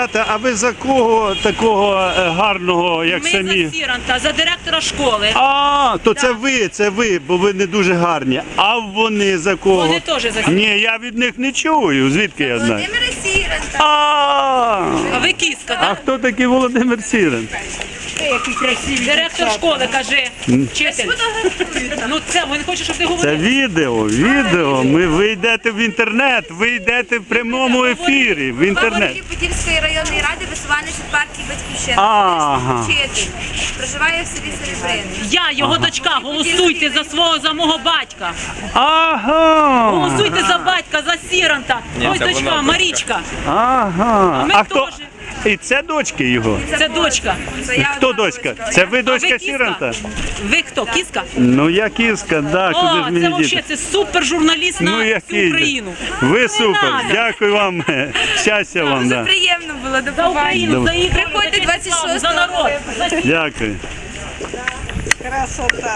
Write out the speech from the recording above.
А ви за кого такого гарного, як Ми самі? за Сіранта, за директора школи. То це ви, бо ви не дуже гарні. А вони за кого? Вони теж за Сіранта. Ні, я від них не чую. Звідки я знаю? Володимира Сіранта. А А ви кіска, А так? хто такий Володимир Сірен? Директор школи, каже, вчитель. Ну це, він хоче, щоб ти Це говорив. відео. Ви йдете в інтернет, ви йдете в прямому ефірі, в інтернет. Голова Подільської районної ради, висуванець від партії «Батьківщина». Ага. Вчитель. Проживає в селі Серебрини. Я, його дочка, голосуйте за мого батька. Ага. Голосуйте за батька, за Сіранта. Ось дочка, Марічка. Ага. ми А хто? теж. І це дочки його? Це дочка. Це я Хто одна дочка? Це ви А ви дочка кіска? Сіранта? Ви хто, кіска? Ну я кіска, да, куди О, ж це мені взагалі, діти? це супер журналіст на всю який же. Україну. Ви Не супер, надо. дякую вам, щастя вам, Дуже да. приємно було, до За побачення. Україну, за її Приходьте за честь і славу, 26-го. за народ. Дякую.